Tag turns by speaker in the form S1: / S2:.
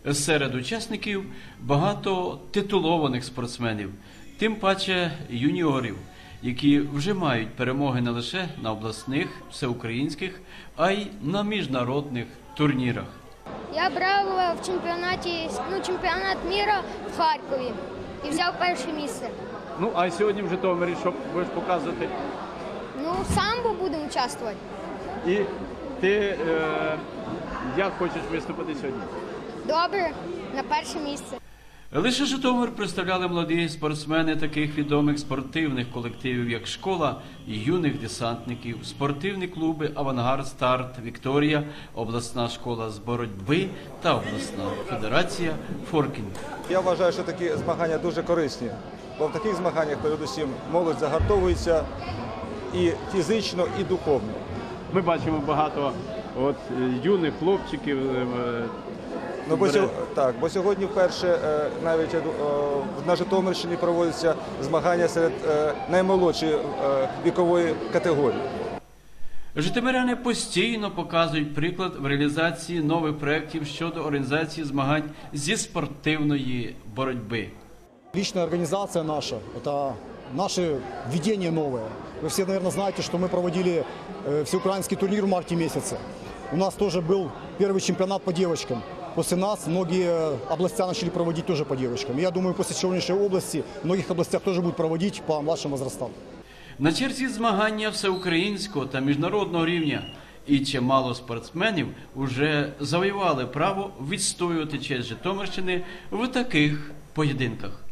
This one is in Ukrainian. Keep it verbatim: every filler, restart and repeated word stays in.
S1: Серед учасників багато титулованих спортсменів, тим паче юніорів, які вже мають перемоги не лише на обласних, всеукраїнських, а й на міжнародних турнірах.
S2: Я брав в чемпіонаті, ну, чемпіонат міра в Харкові і взяв перше місце.
S1: Ну, а сьогодні в Житомирі що будеш показувати?
S2: Ну, самбо будемо участвувати.
S1: І ти е, як хочеш виступити сьогодні?
S2: Добре, на перше місце.
S1: Лише Житомир представляли молоді спортсмени таких відомих спортивних колективів, як «Школа юних десантників», спортивні клуби «Авангард», «Старт», «Вікторія», обласна школа з боротьби та обласна федерація «Форкінг».
S3: Я вважаю, що такі змагання дуже корисні, бо в таких змаганнях, передусім, молодь загартовується і фізично, і духовно.
S1: Ми бачимо багато от, юних хлопчиків.
S3: Ну, бо, так, бо сьогодні вперше навіть на Житомирщині проводяться змагання серед наймолодшої вікової категорії.
S1: Житомиряни постійно показують приклад в реалізації нових проєктів щодо організації змагань зі спортивної боротьби.
S4: Личная организация наша – это наше введение новое. Вы все, наверное, знаете, что мы проводили всеукраинский турнир в марте месяце. У нас тоже был первый чемпионат по девочкам. После нас многие области начали проводить тоже по девочкам. Я думаю, после сегодняшней области в многих областях тоже будут проводить по младшим возрастам.
S1: На черзі змагання всеукраїнського та міжнародного рівня. І чимало спортсменів вже завоювали право відстоювати честь Житомирщини в таких поєдинках.